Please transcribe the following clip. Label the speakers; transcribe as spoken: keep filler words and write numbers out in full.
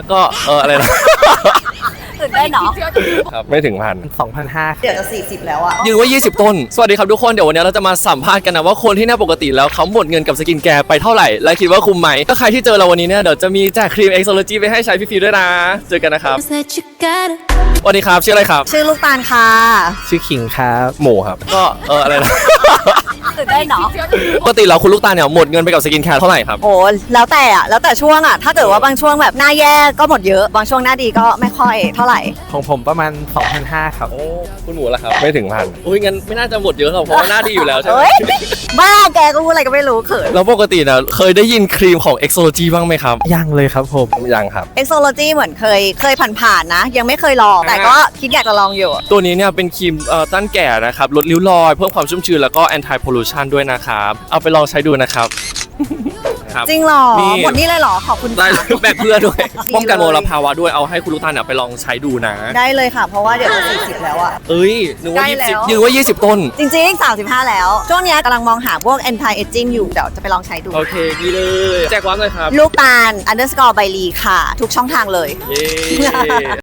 Speaker 1: ก็เอออะไรนะ
Speaker 2: ตื่นได้เนาะ
Speaker 1: ครับไม่ถึงพัน
Speaker 3: สองพันห้า
Speaker 2: เดี๋ยวจะสี่สิบแล้วอะ
Speaker 1: ยืนไว้ยี่สิบต้นสวัสดีครับทุกคนเดี๋ยววันนี้เราจะมาสัมภาษณ์กันนะว่าคนที่หน้าปกติแล้วเขาหมดเงินกับสกินแคร์ไปเท่าไหร่และคิดว่าคุ้มไหมถ้าใครที่เจอเราวันนี้เนี่ยเดี๋ยวจะมีแจกครีม Exology ไปให้ใช้ฟรีๆด้วยนะเจอกันนะครับสวัสดีครับชื่ออะไรครับ
Speaker 2: ชื่อลูกตาลค่ะ
Speaker 3: ชื่อขิงครับ
Speaker 1: หมูครับก็เอออะไรนะ
Speaker 2: ตื่นได้เนาะ
Speaker 1: ปกติแล้วคุณลูกตาลเนี่ยหมดเงินไปกับสกินแคร์เท่าไหร่ครับ
Speaker 2: โอ้แล้วแต่อะแล้วแต่ช่วงอะถ้าเกิดว่าบางช่วงแบบหน้าแย่ก็หมดเยอะบางช่วงหน้าดีก็ไม่ค่อยเท่าไหร่
Speaker 3: ของผมประมาณ สองพันห้า ครับ
Speaker 1: โอ้คุณหมูล่ะครับไม่ถึงพันอุ้ยงั้นไม่น่าจะหมดเยอะหรอกเพราะว่าหน้าดีอยู่แล้วใช่ไหม
Speaker 2: เฮ้ยบ้าแกก็พูดอะไรก็ไม่รู้เขิน
Speaker 1: แล้วปกติเนี่ยเคยได้ยินครีมของ Exology บ้างไหมครับ
Speaker 3: ยังเลยครับผม
Speaker 1: ยังครับ
Speaker 2: Exology เหมือนเคยเคยผ่านๆนะ ยังไม่เคยลองแต่ก็คิดอยากจะลองอยู่
Speaker 1: ตัวนี้เนี่ยเป็นครีมเอ่อต้านแก่นะครับลดริ้วรอยเพิ่มความชุ่มชื้นแล้วก็ anti pollution ด้วยนะครับเอาไปลองใช้ดูนะครับ ครับ
Speaker 2: จริงเหรอ
Speaker 1: นี่
Speaker 2: หมดนี่เลยเหรอขอบคุณ
Speaker 1: ได้
Speaker 2: ค่ะ
Speaker 1: แบกเพื่อด้วย
Speaker 2: ดี
Speaker 1: ป้องกันม
Speaker 2: เลย
Speaker 1: ลภาวะด้วยเอาให้คุณลูกตาลเนี่ยไปลองใช้ดูนะ
Speaker 2: ได้เลยค่ะ เพราะว่าเดี๋ยวจะสี่สิบแล้วอะ
Speaker 1: เอ้ยนึกว่า
Speaker 2: ใกล้
Speaker 1: ยี่
Speaker 2: แล้
Speaker 1: สิบ
Speaker 2: ว
Speaker 1: ยืนว่ายี่สิบต้น
Speaker 2: จริงๆสามสิบห้าแล้ว ช่วงเนี้ยกำลังมองหาพวก anti aging อยู่ เดี๋ยวจะไปลองใช้ดู
Speaker 1: โอเคดีเลยแจกว้ามเลยครับ
Speaker 2: ลูกตาล underscore ใบลีค่ะ ทุกช่องทางเลย
Speaker 1: เย้